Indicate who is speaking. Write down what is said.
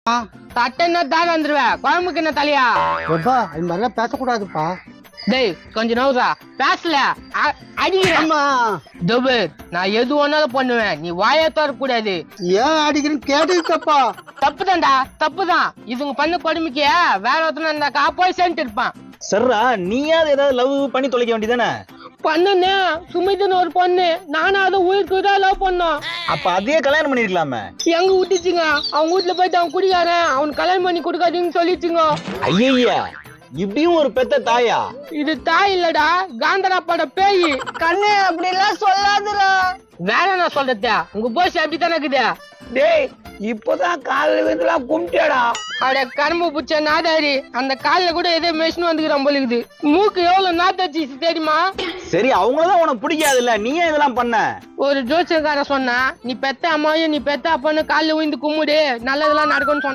Speaker 1: தட்டன்னா தாங்க வந்துருவேன். குழம்புக்கு என்ன தலையா?
Speaker 2: எப்பா இந்த மாதிரிலாம் பேசக்கூடாதுப்பா.
Speaker 1: டேய் கொஞ்சம் நவுறா. பேசல அடிக்கிறேம்மா. தபு நான் எது ஒன்னாலும் பண்ணுவேன். நீ வாயை தரக்கூடாது.
Speaker 2: ஏன் அடிக்கிறேன்னு கேட்டுக்கப்பா.
Speaker 1: தப்புதான்டா தப்புதான். இதுங்க பண்ண கொடுமைக்கு வேற ஒருத்தன இருந்தாக்கா போய் சேர்ந்துட்டு இருப்பான்.
Speaker 3: சர்ரா நீயாவது ஏதாவது லவ் பண்ணி தொலைக்க வேண்டியதானே?
Speaker 1: பண்ணுனே சுமிதுன்னு ஒரு பொண்ணு. நானும் அதை உயிருக்கு தான் லவ் பண்ணோம்.
Speaker 3: அப்ப அதையே கல்யாணம் பண்ணிருக்கலாமே.
Speaker 1: எங்க விட்டுச்சுங்க. அவங்க வீட்டுல போயிட்டு அவன் குடிக்காரன் அவன் கல்யாணம் பண்ணி கொடுக்காதீங்கன்னு சொல்லிச்சுங்க.
Speaker 3: ஐயா இப்படியும் ஒரு பெத்த தாயா?
Speaker 1: இது தாய் இல்லடா காந்தரா பட பேய். கண்ணு அப்படி எல்லாம் சொல்லாதுடா. வேற என்ன சொல்றது? உங்க போஸ் அப்படித்தானே இருக்குது.
Speaker 2: டேய் இப்பதான் காலையில விழுந்துலாம் கும்பிட்டேடா.
Speaker 1: அட கரும்பு புச்ச நாதாரி. அந்த கால்ல கூட ஏதோ மெஷின் வந்துக்கிறான் போல இருக்குது. மூக்கு எவ்வளவு நாத்தாச்சு தெரியுமா?
Speaker 3: சரி அவங்களதான் உனக்கு பிடிக்காது இல்ல, நீ ஏன் இதெல்லாம் பண்ண?
Speaker 1: ஒரு ஜோசியக்கார சொன்னா நீ பெத்த அம்மாவையும் நீ பெத்த அப்பான்னு காலில் விழுந்து கும்பிடு நல்லதெல்லாம் நடக்கும்னு சொன்ன.